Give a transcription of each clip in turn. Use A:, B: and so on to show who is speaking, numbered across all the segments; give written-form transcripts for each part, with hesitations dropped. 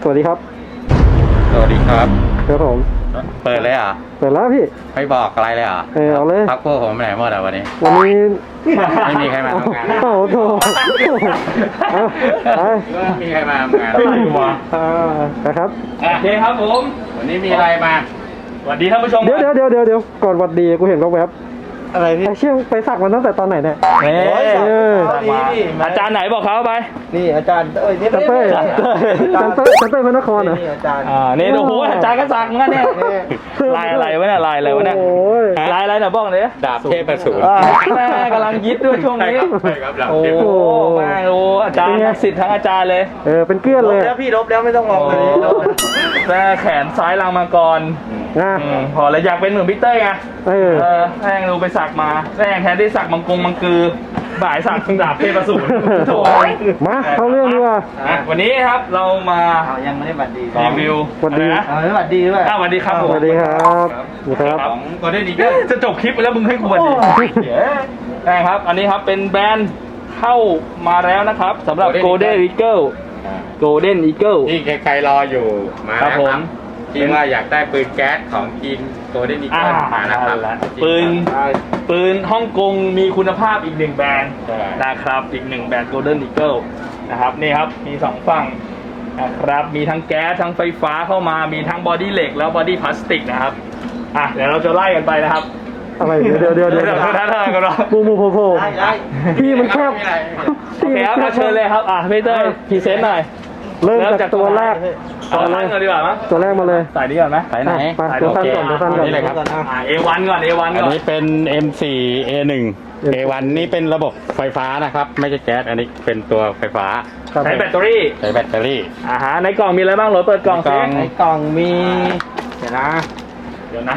A: สวัสดีครับ
B: สวัสดีครับ
A: ครับผม
B: เปิดเลยเหรอ่ะ
A: เปิดแล้วพี่
B: ไม่บอกอะไรเลยเหรอ่ะ
A: เอาเลย
B: พักพวกผมไปไหนหมดอ่ะวันนี้
A: วันนี้
B: ไม่มีใครมาทำงาน
A: โอ้โหเอาไป
B: ไม่มีใครมาทำงาน
A: นะครับ
C: โอเคครับผม
B: วันนี้มีอะไรมา
C: สวัสดีท่านผู้ชม
A: เดี๋ยวก่อนหวัดดีกูเห็นแวบ
C: อะไร
A: ๆ
C: พี่
A: ไอ้เชี่ยไปสักมันตั้งแต่ตอนไหนเนี่ย
C: อาจารย์ไหนบอกเขาไป
D: นี่อาจารย์นี่
A: จันเต้จันเต้พระนครเหรอ
D: นี่อาจารย์
C: นี่โอ้โหอาจารย์ก็สักเหมือนกันเนี่ยลายอะไรวะเนี่ยลายอะไรวะเนี่ย
A: โอ้ย
C: ลายอะไรเนี่ยบอกหน่อยดิ
B: ดาบเทพประสูร
C: แม่กำลังยิดด้วยช่วงนี้
B: ใช่ครับดาบ
C: โอ้
B: เทพ
C: โหแม่โอ้อาจารย์สิทธิ์ทั้งอาจารย์เลย
A: เป็นเกลี้ยน
D: ล
A: เล
D: บ
A: ย
D: แล้วพี่ลบแล้วไม่ต้องมองเลยลบแล้ว
C: แม่แขนซ้ายลังมังกร
A: นะ
C: พอแล้วอยากเป็นเหมือนพี่เต้ยไง แม่งดูไปสักมาแม่งแทนที่สักมังกรมังกือบ่ายสักดาบเทพประสูรโถ่
A: มาเข้าเรื่องดีกว่า
C: วันนี้ครับเรามา
D: เอายังไม่ได้บัตรดี
C: รีวิว
A: สวัสดี
C: อะไรนะ
D: เอาไม่บัตรดีด้วย
C: สวัสดีครับผม
A: สวัสดีครับสวัสดีครับ
B: ของโกลเด้นอีเกิ
C: จะจบคลิปไปแล้วมึงให้กูบันดีได้ครับ อันนี้ครับเป็นแบรนด์เข้ามาแล้วนะครับสำหรับ Golden Eagle Golden Eagle
B: ที่ใครๆรออยู่มา
C: ครับ
B: แล้ว
C: ผ
B: ค
C: ม
B: รับที่ว่าอยากได้ปืนแก๊สของทีมโกลเด้นอี
C: อ่า
B: เกิลมานะครับ
C: ปืนฮ่องกงมีคุณภาพอีกหนึ่งแบรนด์
B: ใช่
C: นะครับอีกหนึ่งแบรนด์ Golden Eagle นะครับนี่ครับมีสองฝั่งนะครับมีทั้งแก๊สทั้งไฟฟ้าเข้ามามีทั้งบอดี้เหล็กแล้วบอดี้พลาสติกนะครับเดี๋ยวเราจะไล่กันไปนะครับ
A: อะไรเดี๋ยว
C: ท่ากันเนาะ
A: มูโผล่
D: ได้
A: พี่มันแคบ
B: ไม่มีอะไร
C: โอเคครับมาเชิญเลยครับพี่เต้ยพรีเซนต์หน่อย
A: เริ่มจากตัวแรก
C: เอาสั้นก่อนดีกว่ามั้ย
A: ตัวแรกมาเลย
C: สายนี้ก่อนไหม
B: ไปไหน
A: ไปตัวสั้นก่อนตัวสั้นก่อน
B: นี่เลยครับ
C: A1 ก่อน A1
B: อัน
C: ก่อน
B: นี้เป็น M4 A1 A1 นี่เป็นระบบไฟฟ้านะครับ ไม่ใช่แก๊ส อันนี้เป็นตัวไฟฟ้า
A: ครับ
C: ใช้แบตเตอรี่
B: ใช้แบตเตอรี่
C: ในกล่องมีอะไรบ้างโหลดเปิดกล่อง
B: ในกล่
C: ซิ
B: อง
D: ในกล่องมีเดี๋ยวนะ
C: เดี๋ยวนะ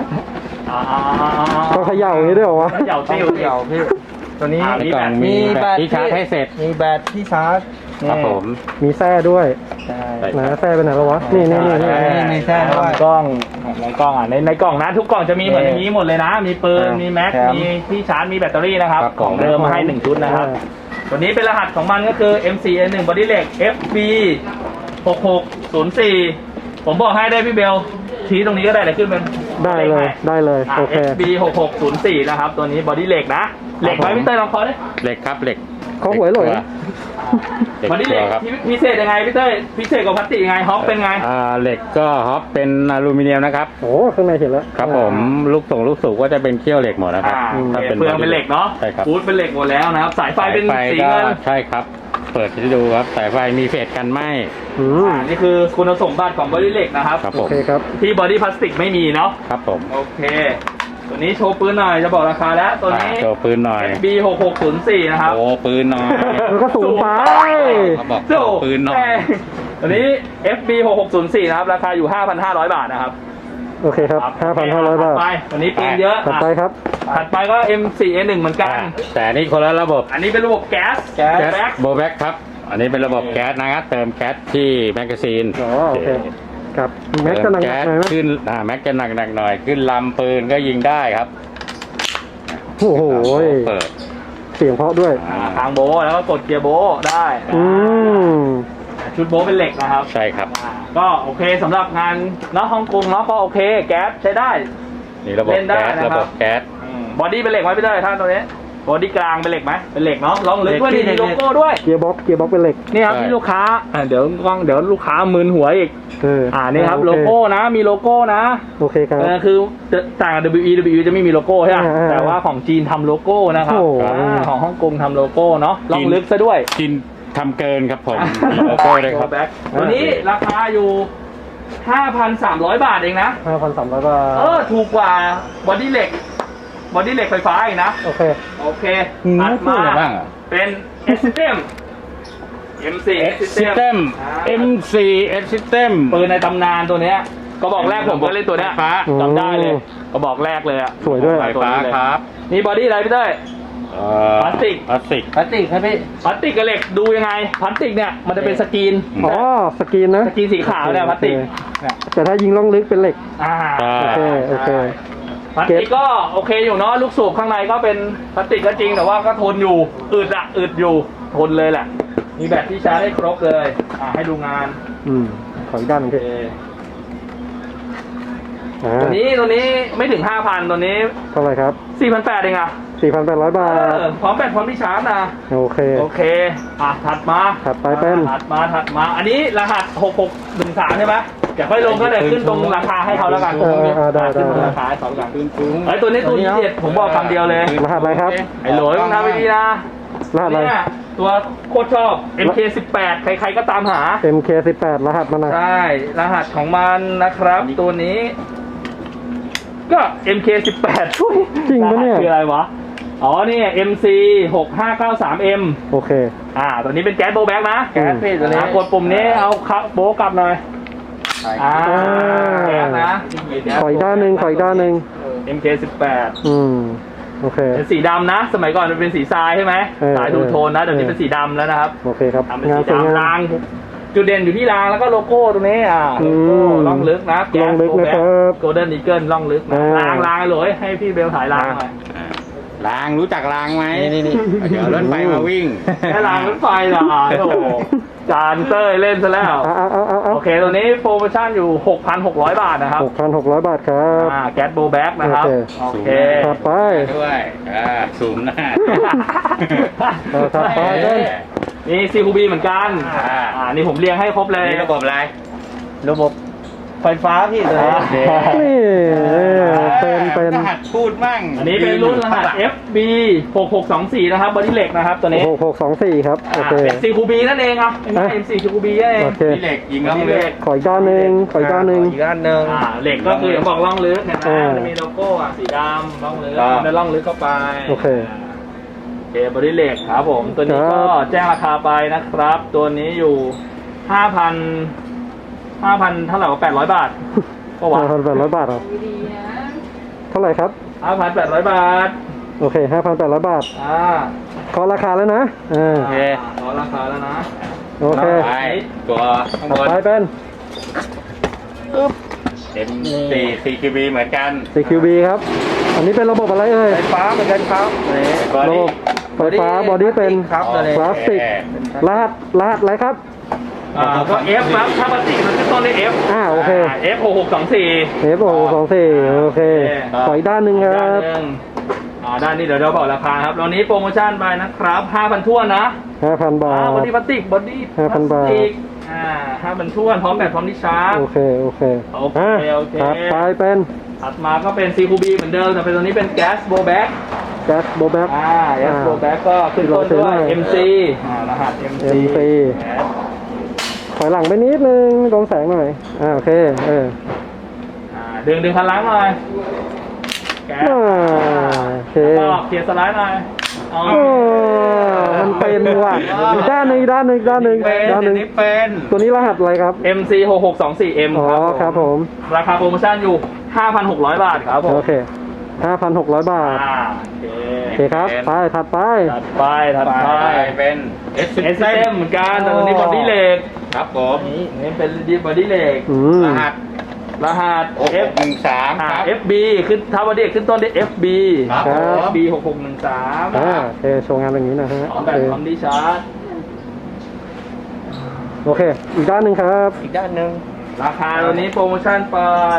A: ต้องเขย่าอย่างนี้ด้วยเหรอวะ
C: เขย่า
D: ต้อ
C: ติ้
D: ง
C: ว
D: เดี่ยวพี่ตัวนี้
B: ในกล่องมีแบตที่ชาร์จให้เสร็จ
D: มีแบตที่ชาร์จ
B: ครับผม
A: มีแส้ด้วย
D: ใช่
A: ไหนแส้ไปไหนแล้ววะนี่
D: มีแส้ด้วย
C: กล่องในกล่องในกล่องนะทุกกล่องจะมีเหมือนอย่างนี้หมดเลยนะ มีปืนมีแม็ก
D: แถม
C: มีที่ชาร์จมีแบตเตอรี่นะครับ
B: ครับ
C: ของเดิมมาให้1ชุดนะครับตัวนี้เป็นรหัสของมันก็คือ M4A1 Body Hex FB 6604ผมบอกให้ได้พี่เบลชี้ตรงนี้ก็ได้เลยขึ้นเป็น
A: ได้เลยโอเค
C: FB 6604นะครับตัวนี้บอดี้เหล็กนะเหล็กไหมพี่เต้ยลองเคอดิ
B: เหล็กครับเหล็ก
A: เขาหวยหลอย
B: เหล็ก
C: บอดี้เห
B: ตั
C: ล็
B: ว
C: ก
B: ครับ
C: พิเศษยังไงพี่เต้ยพิเศษกว่าพลาสติกยังไงฮอปเป็นไง
B: เหล็กก็ฮอปเป็นอลูมิเนียมนะครับ
A: โอ้ข้างในเห็นแล้ว
B: ครับผมลูกสูบก็จะเป็นเขี้ยวเหล็กหมดนะครับ ถ้า
C: เฟืองเป็นเหล็กเนาะ
B: ใช่ครับ
C: ฟูดเป็นเหล็กหมดแล้วนะครับสายไฟเป็นสี
B: ก็
C: เงิน
B: ใช่ครับ เปิดให้ดูครับสายไฟมีเศษกันไหม
C: นี่คือคุณสมบัติของบอดี้เหล็กนะครับ
B: ครับ
A: โอ
B: ผม
A: เคครับ
C: ที่บอดี้พลาสติกไม่มีเนาะ
B: ครับผม
C: โอเค ตัวนี้โชว์ปืนหน่อยจะบอกราคาแล้วตัวนี้
B: โชว์ปืนหน่อย
C: FB 6604นะครับ
B: โอ้ปืนหน่อย
A: มันก็สูงไป
B: เขาบอกโชว์ปืนหน่อย
C: ตัวนี้ FB 6604นะครับราคาอยู่ 5,500 บาทนะครับ
A: โอเคครับ 5,500 บาท
C: ถัดไปวันนี้ปืนเยอะ
A: ถัดไปครับ
C: ถัดไปก็ M4A1 เหมือนกัน
B: แต่อันนี่คนละระบบ
C: อันนี้เป็นระบบแก๊ส
B: แก๊ส
C: แบ็ค
B: โบแบ็กครับ อันนี้เป็นระบบแก๊สนะครับเติมแก๊สที่แมกกาซีน
A: อ๋อโอเคครับแม็กจะหนัก
B: เติม
A: ห
B: แก๊ส
A: น่อยไหม
B: ขึ้นแม็กจะหนักหน่อย ขึ้นลำปืนก็ยิงได้ครับ
A: โอ้โห
B: เปิด
A: เสียงเพราะด้วย
C: ทางโบะแล้วก็กดเกียร์โบะได้
A: ม
C: ชุดโบะเป็นเหล็กนะครับ
B: ใช่ครับ
C: ก็โอเคสำหรับงานเนาะฮ่องกงเนาะก็โอเคแก๊สใช้ได้
B: นี่ระบบ
C: เล่นได้
B: แก๊ส
C: นะครับ
B: ระบบแก๊ส
C: บอดี้เป็นเหล็กไหมพี่เต้ยท่านตัวนี้บอดี้กลางเป็นเหล็กไหมเป็นเหล็กเนาะลองลึกด้วย
D: เหล็
C: ดี
D: ก
C: โลโก้ด้วย
A: เกียร์บ็อกเป็นเหล็ก
C: นี่ครับที่ลูกค้าเดี๋ยวลูกค้ามึนหัวอีกนี่ครับโลโก้นะมีโลโก้นะ
A: โอเคครับ
C: คือต่างกับ WE จะไม่มีโลโก้ใช่ไหม แต่ว่าของจีนทำโลโก้นะครับ
A: โอ้โห
C: ของฮ่องกงทำโลโก้เนาะลองลึกซะด้วย
B: กินทำเกินครับผมมีโลโก้เลยครับ
C: ตัวนี้ราคาอยู่ 5,300 บาทเองนะ
A: 5,300 บาท
C: ถูกกว่าบอดี้เหล็กไฟฟ้าอีกนะ
A: โอเค
C: โอเคถัดมา
B: อะไรบ้างอ่ะ
C: เป็น S-System M4
B: System M4 S System
C: ปืนในตำนานตัวเนี้ยก็บอกแรกผมก็เล่นตัวเนี้ย
B: ไฟฟ้า
C: จำได้เลยก็บอกแรกเลยอะ
A: สวยด้วย
B: ไฟฟ้าครับ
C: นี่บอดี้อะไรพี่เต้ย พลาสติก
B: พลาสติก
D: พลาสติกครับพี่
C: พลาสติกกับเหล็กดูยังไงพลาสติกเนี่ยมันจะเป็นสกรีน
A: อ๋อสกรีนนะ
C: สกรีนสีขาวเนี่ยพลาสติก
A: แต่ถ้ายิงล่องลึกเป็นเหล็ก โอเค โอเค
C: พลาสติกก็โอเคอยู่เนาะลูกสูบข้างในก็เป็นพลาสติกก็จริงแต่ว่าก็ทนอยู่อึดอยู่ทนเลยแหละ มีแบตที่ชาร์จได้ครบเลยให้ดูงาน
A: อืมขออีกด้านหนึง
C: โอ
A: พี่
C: เค
A: อ่า
C: ตัวนี้ไม่ถึง 5,000 ตัวนี้
A: เท่าไหร่ครับ
C: 4,800เองอ่ะ
A: 4,800 บาท
C: พร้อมแบตพร้อมที่ชาร์จนะ
A: โอเค
C: โอเค ถัดมา
A: ถัดไปเป็น
C: ถัดมา อันนี้รหัส 6613 ใช่ไหมเดี๋ยวค่อยลงก็เลยขึ้นตรงราคาให้เขาแล้วกัน
A: ได้
C: ขึ้นตรงราคาให้เขาแล้วกันไอ้ตัวนี้ตัวที่เด็ดผมบอกคำเดียวเลย
A: รหัสอะไรครับ
C: ไอ้โหลยต้องทำไปดีนะ
A: รหัสอะไร
C: เนี่ยตัวโคตรชอบ MK18 ใครๆก็ตามหา
A: MK18 รหัสมันนะ
C: ใช่ รหัสของมันนะครับ ตัวนี้ ก็ MK18 ช่วย
A: จริงปะเนี่ย
C: รหัสคืออะไรวะ อ๋อนี่ MC 6593M
A: โอเค
C: ตัวนี้เป็นแก๊สโบว์แบ็กนะ
A: แก๊สพี่ตัวนี้
C: กดปุ่มนี้เอาโบว์กลับหน่อยแก๊สนะ
A: ขออีกด้านหนึ่งขออีกด้านหนึ่ง
C: MK18
A: โอเค
C: เป็นสีดำนะ สมัยก่อนมันเป็นสีทรายใช่ไหม ทรายทูโทนนะ เดี๋ยวนี้เป็นสีดำแล้วนะครับ
A: โอเคครับ
C: ทำเป็น
A: งาน
C: สี
A: สวยงาม
C: ดำราง จุดเด่นอยู่ที่รางแล้วก็โลโก้ตรงนี้โลโก้ล่องลึกนะ
A: ล่องลึกนะครับ
C: โกลเด้นอีเกิลล่องลึกนะรางเลยให้พี่เบลถ่ายรางหน่อย
B: รางรู้จักรางไหม
D: นี่
B: เดี๋ยวรถไฟมาวิ่ง
C: แค่รางรถไฟเหรอโอ้โหจานเต้ยเล่นซะแล้ว
A: เอา
C: โอเค ตัวนี้โปรโมชั่นอยู่ 6,600 บาทนะครับ
A: 6,600 บาทครับ
C: แก๊สโบว์แบ็กนะครับ
A: โอเค
C: โอเค
A: ถัดไป
B: ด้วยสูงหน้า
A: ถัดไปเป็น
C: นี่ CQB เหมือนกัน นี่ผมเรียงให้ครบเลย
B: นี่ระบบอะไร
D: ระบบไฟฟ้าพี่ตัวนี้
A: นี่เป็น
B: รหัสพูดมั่ง
C: อันนี้เป็นรุ่นรหัส FB 6624นะครับบอดี้เหล็กนะครับตัวนี้
A: 6624ครับโอเค
C: เป็น CQB นั่นเองครับเป็น MC CQB นั่นเอง
A: โอเค
B: นี่เหล็กยิง
C: บอ
B: ล่อง
C: ดี้
B: เลื
C: เห
B: อ
C: ล็
B: ด
C: ก
A: ขออีกด้านหนึ่งขออีกด้านหนึ่ง
D: อีกด้านหนึ่ง
C: เหล็กก็คืออย่างบอกล่องลึกเห็นไหม
A: อ่า
C: จะมีโลโก้สีดำล่องลึกแล้วล่องลึกเข้าไป
A: โอเค
C: โอเคบอดี้เหล็กครับผมตัวนี้ก็แจ้งราคาไปนะครับ ตัวนี้อยู่ 5,000 เท่าไหร่ว่า800 บาทก็ว่า
A: 5,800 บาทครับเท่าไหร่ครับ
C: 5,800 บาท
A: โอเค 5,800 บาทขอราคาแล้วนะ
C: โอเคขอราคาแล้วนะ
A: โอเค
B: ไปตัวข้าง
A: ถั
B: บ
A: ด
B: น
A: ไปเป็น
B: M4 CQB เหมือนกัน
A: CQB ครับ อันนี้เป็นระบบอะไรเอ่ย
D: ไฟฟ้าเหมือนกันครับ
A: ระบบไฟฟ้าบอดี้เป็น
D: ครับตัวนี้
A: พลาสติกรหัสอะไรครับ
C: ก็ F ครับถ้าปกติมันขึ้นต้นด้วย F
A: โอเค
C: F 6624
A: F624โอเคขออีกด้านหนึ่งค
C: ด้า
A: รั
C: น
A: บ
C: หนึ่งด้านนี้เดี๋ยวเราบอกราคาครับตอนนี้โปรโมชั่นไปนะครับ 5,000ท้วนนะ
A: 5,000 บาท
C: บอดี้พลาสติกบอดี้
A: 5,000 บาท
C: 5,000ท้วนพร้อมแบตพร้อมที่ชาร์จ
A: โอเค
C: โอเค
A: ถัดไปเป็น
C: ถัดมาก็เป็น CQB เหมือนเดิมแต่เป็นตัวนี้เป็นแก๊สโบแบ็ก
A: แก๊สโบแบ็ก
C: แก๊สโบแบ็กก็ขึ้นต้นด้วย MC รหัส
A: MC ถอยหลังไปนิดนึงกองแสงหน่อยโอเค
C: ดึงคันล้างหน่อยแก๊ส
A: โอเค
C: ก็เคลียร์สไลด์หน่อย
A: มันเป็นว่ะอีกด้านหนึ่งด้านหนึ่งตัวนี้รหัสอะไรครับ
C: MC 6624M
A: อ๋อครับผม
C: ราคาโปรโมชั่นอยู่ 5,600 บาทครับผม
A: โอเค 5,600 บาท
C: โอ
A: โอ
C: เค
A: เคครับไปถัดไป
C: ถัดไป
B: เป็น
C: SM เหมือนกันแต่ตัวนี้บอดี้เหล็ก
B: ครับผม
C: นี่เป็นบอดี้เหล็ก
B: รหัส
C: F13
B: ครับ
C: FB ขึ้นถ้าบอดี้ขึ้นต้นด้วย FB
B: ครับ
C: FB 6613
A: โอเคโชว์งานอย่างนี้นะฮะ
C: พร้อมแบตพร้อมดีชาร์จ
A: โอเค อีกด้านหนึ่งครับ
D: อีกด้านหนึ่ง
C: ราคาตัวนี้โปรโมชั่นไป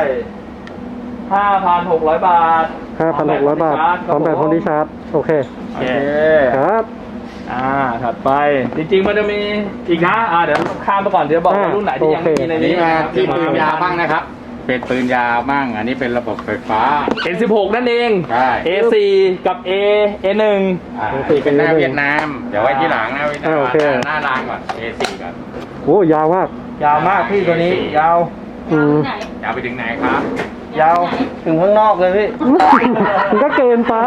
C: 5,600 บาท
A: 5,600 บาทพร้อมแบบพร้อมที่ชาร์จโอเค
C: โอเค
A: ครับ
C: ถัดไปจริงๆมันจะมีอีกนะเดี๋ยวข้ามไปก่อนเดี๋ยวบอกว่ารุ่นไหนที่ยังไม่มีใน
B: อัน
C: นี้
B: นี้มาที่ปืนยาวบ้างนะครับ เป็นปืนยาวบ้าง อันนี้เป็นระบบไฟฟ้า
C: N16 นั่นเอง
B: ใช่
C: A4 กับ A1
B: นี่เป็นหน้าเวียดนาม เดี๋ยวไว้ที่หลังนะเวียดนามหน้ารางก่อน A4 ก่อน
A: โอ้ยาวมาก
D: ยาวมากพี่ตัวนี้ ยาว
B: ยาวไปถึงไหนครับ
D: ยาวถึงข้างนอกเลยพี่
A: มันก็เกินไป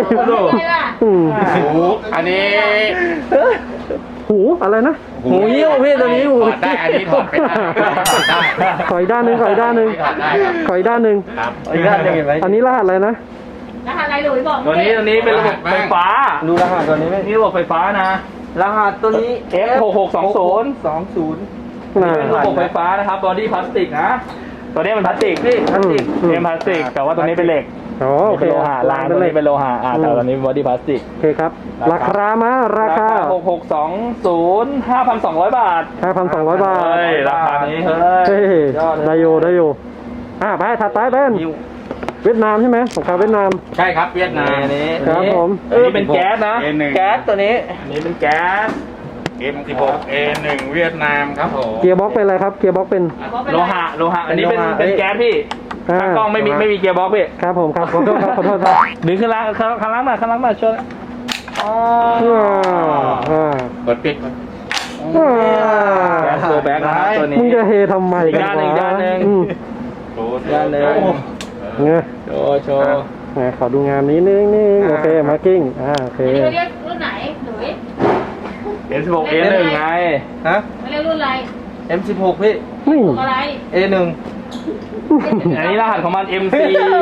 B: หูอันนี้
A: หูอะไรนะ
D: หูหิ้วพี่ตัวนี้หู
B: ถอดได้ อันนี้ถอดไม่ได้ถอดได้
A: ขออีกด้านหนึ่งขออีกด้านหนึ่ง
B: ถอดได้ครับ
A: ขออีกด้านหนึ่ง
B: ครับ
D: อีกด้านหนึ่งเห็นไหม
A: อันนี้รหัสอะไรนะ
E: รหัสอะไรหลุยบอก
C: ตัวนี้เป็นระบบไฟฟ้า
D: ดูรหัสตัวนี้ไหม
C: นี่ระบบไฟฟ้านะ
D: รหัสตัวนี้
C: F6620
D: 20
A: น่า
C: เป็นระบบไฟฟ้านะครับบอดี้พลาสติกนะตัวนี้มันพลาสติกพี่พลาสติก
A: อืม
C: พลาสติกแต่ว่าตัวนี้เป็นเหล็ก
A: อ๋อโอเค
C: เป็นโลหะรางตัวนี้เป็นโลหะแต่ตอนนี้บอดี้พลาสติก
A: โอเคครับ ราคามาราคา
C: 6620 5,200 บาท
A: 5,200 บาท
C: เฮ้ยราคานี้เฮ้
A: เฮ้
C: ย
A: ย
C: ยอดเลย
A: ได้อยู่ได้อยู่ไปถัดไปเป็นเวียดนามใช่ไหมสงครามเวียดนาม
B: ใช่ครับเวียดนาม
C: อันนี้
A: ครับผม
C: อันนี้เป็นแก๊สนะ
B: A1
C: แก๊สตัวนี้อันนี้เป็นแก๊ส
B: M16 A1 เวียดนามครับผม
A: เกียร์บ็อกเป็นอะไรครับ เกียร์บ็อกเป็น
C: โลหะอันนี้เป็นแก๊สพี่
A: อ่า
C: ทางกล้องไม่มีเกียร์บ็อกพี่
A: ครับผมครับขอโทษครับขอโทษครับ
C: ดึงขึ้นล่างข้างล่างมาช่วยอ๋อ
B: กดปิด
C: แก๊สโลแบ็กนะครับตัวนี้
A: มึงจะเฮทำไม
C: อีกด้านหนึ่ง
A: วะ
C: ด้านหนึ่ง
A: อืม
C: ด้านหนึ่ง
A: เนี่ย
C: โชว์
A: ไหนขอดูงานนี้นิดนึงโอเคมาร์กิ้งโอเค
E: อันนี้เขาเรียกรุ่นไหนหนุ่ย
C: S16 A1 ไง
D: ฮะ
E: เขาเรียกรุ่นอะไร
D: M16 พี่
A: นี่
E: รุ่นอะไร
D: A1
C: อันนี้รหัสของมัน MC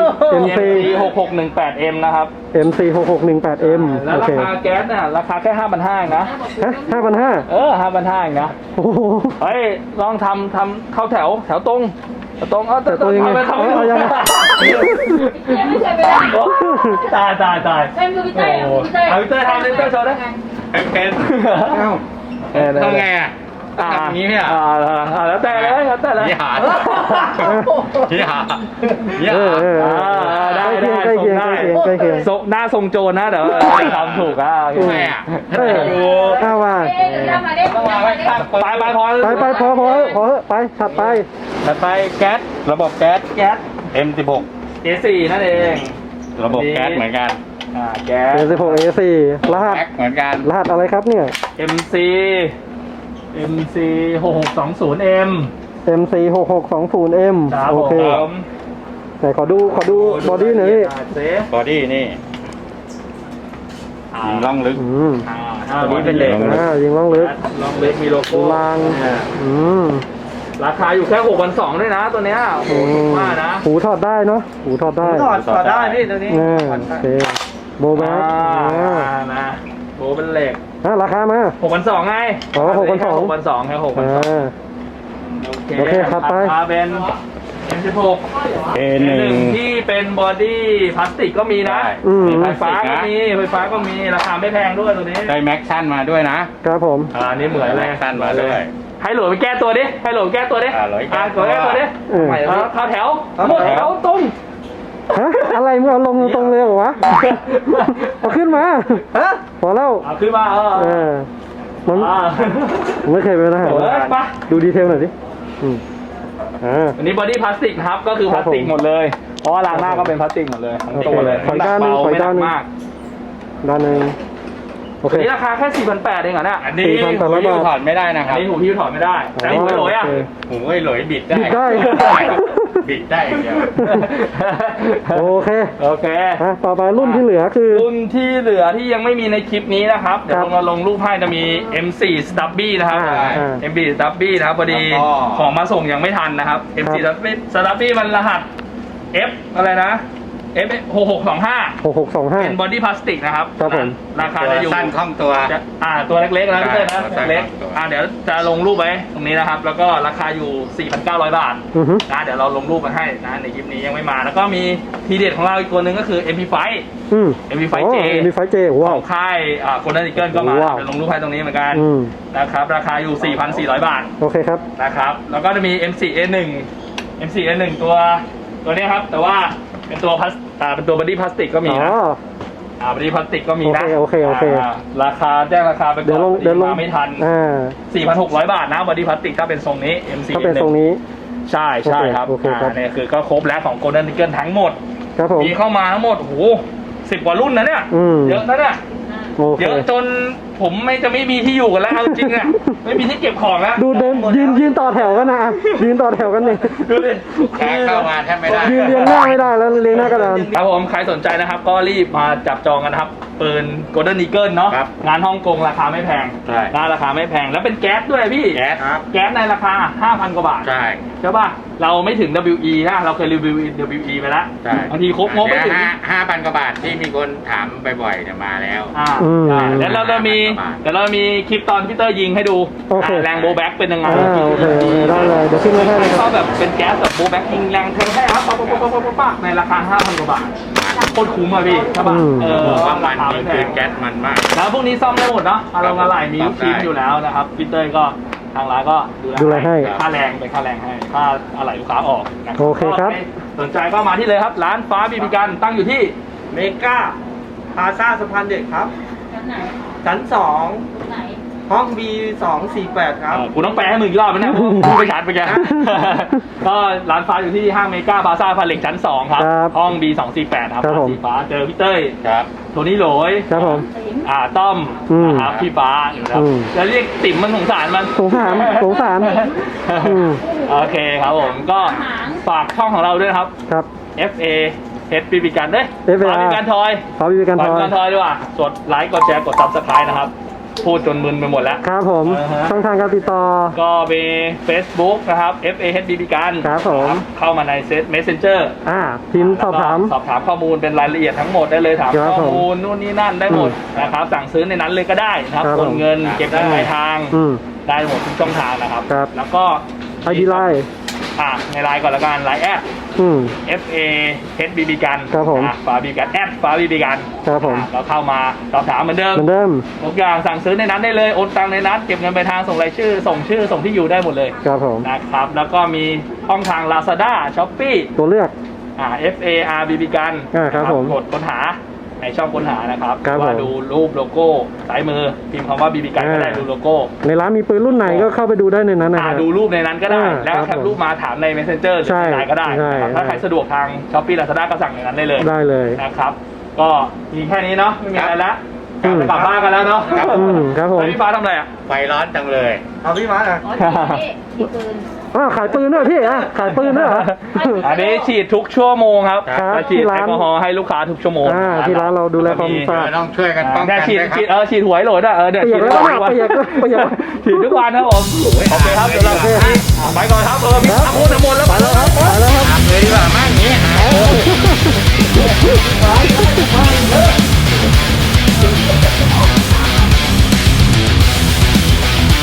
C: 6618M นะครับ
A: MC 6618M
C: แล้ว
A: โอ
C: รา
A: เค
C: คาแก๊สเนี่ยราคาแค่ 5,500นะ
A: ฮะ5,500
C: 5,500เองนะ
A: โอ้โห
C: เฮ้ยลองทำเข้าแถวตรงเอา
A: แต่ตัวยังไง
C: ทำไป
A: เอายังไง
E: ยังไม่เคยไปได้
C: ตาย
E: เล่นคือพี่เต้ย
C: โอ้โหเอาพี่เต้ยทำเลยพี่เต้ยโชว์ได้
B: เป็น ต้องไงอ่ะทำอย่างนี้เนี่ย
C: แล้วแต่เลย
B: ยี่หายี่หายี่
A: เอ
B: หา
A: อเออเออ
C: ได้
A: ใกล้เคียงใกล้เคียงใกล้เคียง
C: หน้าทรงโจรนะเดี๋ยวทำถูกอ่ะ
B: ทำไมอ่ะ
A: เออเอาว่า
E: เอ๊ะทำมาได้
B: ต้องวางไว้ข้างเปิด
C: ไปพอ
A: ไปพอไปถัดไป
B: ถัดไปแก๊สระบบแก๊ส M16
C: A4 นั่นเอง
B: ระบบแก๊สเหมือนกัน
C: แก๊ส
A: A16 A4 รหัส
B: แก๊สเหมือนกัน
A: รหัสอะไรครับเนี่ย
C: MC 6620M
A: MC 6620M
C: ครับ
A: โอ
C: ผ
A: เค
C: ม
A: ไหนขอดูบอดี้หน่อยพี่
C: เซฟ
B: บอดี้นี่ยิงล่องลึก
A: อืม
C: ตัวนี้เป็นเหล็ก
A: ยิงล่องลึก
C: ลองเล็กมีโลโก้
A: ลางอืม
C: ราคาอยู่แค่6,200ด้วยนะตัวเนี้ยโอ้โหถูกมากนะ
A: หูถอดได้เนาะหูถอดได้
D: ถอดได้พี่ตัวนี้
A: โอเคโบแบ็ค
C: นะโอ้เป็นเหล็ก
A: ราคามา
C: 6,200ไง
A: อ๋อ6,200
C: 6,200แค่6,200
A: โอเคถัดไป
C: ราคาเป็น M16
B: A1
C: ที่เป็นบอดี้พลาสติกก็มีนะ
A: อืม
C: ไฟฟ้าก็มีราคาไม่แพงด้วยตัวนี้
B: ได้แม็กชั่นมาด้วยนะครับ
A: ผม
C: อันนี้เหมือนเลย
B: แม็กชั่นมาด้วย
C: ให้หลวไปแก้ตัวดิให้หลวแก้ตัวดิ
B: หลวยแก้
C: หลวแก้ตัวดิ
A: อืม
C: เข้าแถวหมดแถวตรง
A: ฮะอะไรมึงเอาลงตรงเลยเหรอวะเอาขึ้นมา
D: ฮะ
A: พอแล้ว
C: เอาขึ้นมา
A: มันผมไม่เคยเป็นทหาร
C: โอ้ยไป
A: ดูดีเทลหน่อยดิอืม
C: อันนี้บอดี้พลาสติกนะครับก็คือพลาสติกหมดเลย เพราะว่าล้างหน้าก็เป็นพลาสติกหมดเลยทั้งตัวเลย
A: ขออีกด้านหนึ่ง
C: เบา
A: ขออี
C: ไม่
A: ก
C: หนั
A: ด้านหนึ่ง
C: กมาก
A: ด้านหนึ่งโอเค
C: อันนี้ราคาแค่ 4,800 เองเหรอเนี่ย
B: อันนี้
A: 4,800
B: หูถอดไม่ได้นะค
C: อั
B: รั
C: น
B: บ
C: นี้หูพี่ถอดไม่ได้ แต่หูไม่หลอยอ่ะ
A: โอเค
B: หูไอ้หลอยบิดได้
A: บิดได้
B: บิดได้อย่างเดียว
A: โอเค
C: โอเค
A: ต่อไปรุ่นที่เหลือคือ
C: รุ่นที่เหลือที่ยังไม่มีในคลิปนี้นะครับ เดี๋ยว
A: ครับ
C: เราลงรูปให้จะมี M4 Stubby นะครับ M4 Stubby นะครับพอดี
B: แล้วก็
C: ของมาส่งยังไม่ทันนะครับ M4 Stubby มันรหัส F อะไรนะ F 6625
A: 6625
C: เป็นบอดี้พลาสติกนะครับ
A: ครับผม
C: ราคาจะอยู่
B: สั้นคล่องตัว
C: ตัวเล็กๆนะพี่เต้ยนะ
B: ใช่
C: เล็ก
B: ครับ
C: เดี๋ยวจะลงรูปไว้ตรงนี้นะครับ แล้วก็ราคาอยู่ 4,900 บาท
A: อือฮึ
C: นะเดี๋ยวเราลงรูปมาให้นะในคลิปนี้ยังไม่มา แล้วก็มีทีเด็ดของเราอีกตัวหนึ่งก็คือ MP5
A: อืม
C: MP5J
A: MP5J
C: ข
A: ว้าว
C: องค่ายโคนันดิเกิลก็มา
A: ว้าว
C: เดี๋ยวลงรูปให้ตรงนี้เหมือนกัน
A: อืม
C: นะครับ ราคาอยู่ 4,400 บาท
A: โอเคครับ
C: นะครับ แล้วก็จะมี M4A1 ตัวนี้ครับ แต่ว่าเป็นตัวเป็นตัวบอดี้พลาสติกก็มี
A: อ๋อ
C: นะบอดี้พลาสติกก็มีนะ
A: โอเค
C: ราคาแจ้งราคาไปก่อน
A: เดี๋ยวลง
C: มาไม่ทัน 4,600 บาทนะบอดี้พลาสติกถ้าเป็นทรงนี้ M4
A: ถ้าเป็นตรงนี้
C: ใช่ครับ
A: โอเคครับ
C: เนี่ยคือก็ครบแล้วของ Golden Eagle ทั้งหมด
A: ครับผม
C: มีเข้ามาทั้งหมดโอ้โห10 กว่ารุ่นนะเนี่ย
A: อืม
C: เยอะนะเนี่ย
A: โอเค
C: เยอะจนผมไม่มีที่อยู่กันแล้วเอาจริงอ่ะ ไม่มีที่เก็บของแล้ว
A: ดูเดินยืนต่อแถวกันนะยืนต่อแถวกันนี่
C: ดูดิ
B: แขกเข้ามาแทบไม่ได้
A: ยืนเรียงหน้าไม่ได้แล้วเรียงหน้ากระดาน
C: ครับผมใครสนใจนะครับ ก็รีบมาจับจองกันนะครับปืน Golden Eagle เนาะ
B: ครับ
C: งานฮ่องกงราคาไม่แพง
B: ใช่
C: ราคาไม่แพงแล้วเป็นแก๊สด้วยพี่
B: แก๊สครับ
C: แก๊สในราคา 5,000 กว่าบาท
B: ใช่
C: ใช่ป่ะ เราไม่ถึง WE นะ เราเคยรีวิว WE ไปแล้ว
B: ใช่
C: บางทีครบงบไม่ถึง
B: 5,000 กว่าบาทที่มีคนถามบ่อยๆเนี่ยมาแล้ว
C: ใช่แล้วเราจะมี
B: 5,000
C: เดี๋ยวเรามีคลิปตอนพี่เตอร์ยิงให้ดู
A: โอเค
C: แรงโบแบ็กเป็นยังไง
A: โอเคได้เลยเดี๋ยวขึ้นมาให้เลยค
C: ช
A: รั
C: อบบ แบบเป็นแก๊สแบบโบแบ็กยิงแรงเทงให้ครับป๊ะในราคา 5,000 กว่าบาท
B: มา
C: โคตรคุ้มอ่ะพี่ใช่ป่ะ
A: อืม
B: บอกว่ามัน
C: ราคา
B: นี่
C: ไม่แพ
B: คือง แก๊สมันมาก
C: แล้วพวกนี้ซ่อมได้หมดเนาะอารมณ์อะไรมี
B: ครั
C: ลู
B: บ
C: กชิ้นอยู่แล้วนะครับพี่เต้ยก็ทางร้านก็
A: ดูแลให้
C: ค่าแรงเป็นค่าแรงให้ค่าอะไรลูกค้าออกนะ
A: โอเคครับ
C: ก็สนใจก็มาที่เลยครับ ร้านฟ้าบีบีกันตั้งอยู่ที่
D: เมกาพาซาสะพานเด็กครับ
E: ชั้นไหน
D: ชั้น
E: ตรงไหน
D: 2 ห้อง B248 ครับ
C: กูต้องแปลให้มึงอีกรอบไหมเนี่ยพูดไม่ชัดไปแก ก็ร้านฟ้าอยู่ที่ห้างเมกาบาซ่าพาเล็กชั้น 2 ครับ
A: ครับ
C: ห้อง B248 ครับ
A: ครับผม
C: สีฟ้าเจอพี่เต้ย
B: ครับ
C: โทนี่โหลย
A: ครับผม
E: ติ๋ม
C: ต้อม
A: อืม
C: นะครับพี่ฟ้าอยู่ครับ
A: อืม
C: แล้วเรียกติ๋มมันสงสารมัน
A: สงสารอืม
C: โอเคครับผมก็ฝากช่องของเราด้วยนะครับ
A: ครับ
C: FA H BB กันเด้ย
A: FA
C: ฟ้าบีบีกันทอย
A: ขอมีการท
C: ฟ้า
A: อ
C: บีบี
A: ย
C: กันทอยดีกว่ากดไลค์กดแชร์กด Subscribe นะครับ พูดจนมึนไปหมดแล้ว
A: ครับผม
C: อ่าฮะ
A: ช่องทางการติดต่อ
C: ก็มี Facebook นะครับ FA H BB กัน
A: ครับผม
C: เข้ามาในMessenger
A: พิมพ์สอบถาม
C: สอบถามข้อมูลเป็นรายละเอียดทั้งหมดได้เลยถาม
A: ครับ
C: ข้อมูลนู่นนี่นั่นได้หมดนะครับสั่งซื้อในนั้นเลยก็ได้นะครับ
A: ครับ
C: โอนเงินเก็บเงินปลายทาง
A: อืม
C: ได้หมดทุกช่องทางนะครับ
A: ครับ
C: แล้วก็
A: ID ไลน์
C: ในไลน์ก่อนละกันไลน์แอด
A: อืม
C: FA HBB กัน
A: ครับผม
C: ฟ้าบีกันแอดฟ้าบีบีกัน
A: ครับผม
C: เราเข้ามาสอบถามเหมือนเดิม
A: เหมือนเดิม
C: ทุกอย่างสั่งซื้อในนั้นได้เลยโอนตังในนั้นเก็บเงินปลายทางส่งรายชื่อส่งที่อยู่ได้หมดเลย
A: ครับผม
C: นะครับแล้วก็มีช่องทาง Lazada Shopee
A: ตัวเลือก
C: FARBB กัน
A: ครับ
C: นะ
A: ผม
C: กดค้นหาในช่องค้นหานะครับ
A: ครับ
C: ว่า
A: ผม
C: ดูรูปโลโก้ซ้ายมือพิมพ์คำว่า BB กันก็ได้
A: อ่า
C: ดูโลโก้
A: ในร้านมีปืนรุ่นไหนก็เข้าไปดูได้ในนั้นนะค
C: อ่า
A: รับ
C: ดูรูปในนั้นก็ได้ แล้ว
A: ครับ
C: แคปรูปมาถามใน Messenger หรือ
A: ใช่
C: ในไลน์ก็ได้
A: ใช่
C: นะครับถ้าใครสะดวกทาง Shopee Lazada ก็สั่งในนั้นได้เลย
A: ได้เลย
C: นะครับ ก็มีแค่นี้เนาะไม่มีอะไรแล้ว
A: อืม
C: กลับบ้านกันแล้วเนาะ
A: อืมครับผม
C: แล้วพี่ฟ้าทำอะไรอ่ะ
B: ไฟร้อนจังเลย
D: เอาพี่มาอ่ะ
E: อ๋อนี่ที่ปืน
A: ขายปืนด้วยพี่ขายปืนด้วยเหรอ
C: อันนี้ฉีดทุกชั่วโมงครับ
A: ครับ
C: จะฉีด
A: ที่
C: แอ
A: ร้าน
C: ลกอฮอล์ให้ลูกค้าทุกชั่วโมง
A: ที่ร้านเราดูแลความสะอาด
B: ต้องช่วยกันป้อง
C: ได้
B: กัน
C: ฉีด
B: ด้วยค
C: ฉีด
B: รับ
C: ฉีดหัวให้โหลดอ่ะเดี๋ยว
A: เปีย
C: ฉี
A: ก
C: ด
A: แล้ว
C: ทุก
A: เนี่ย
C: วัน
A: เปียกแล้วเปียกแล้ว
C: ฉีดทุกวันครับผมโอเคครับเดี๋ยวเราไปก่อนครับมีทั้งหมดทั้งหมดแล้ว
A: ไปแล้วครับไปแล้วครับ
B: ตามเลยดีกว่ามั้งอย่างนี้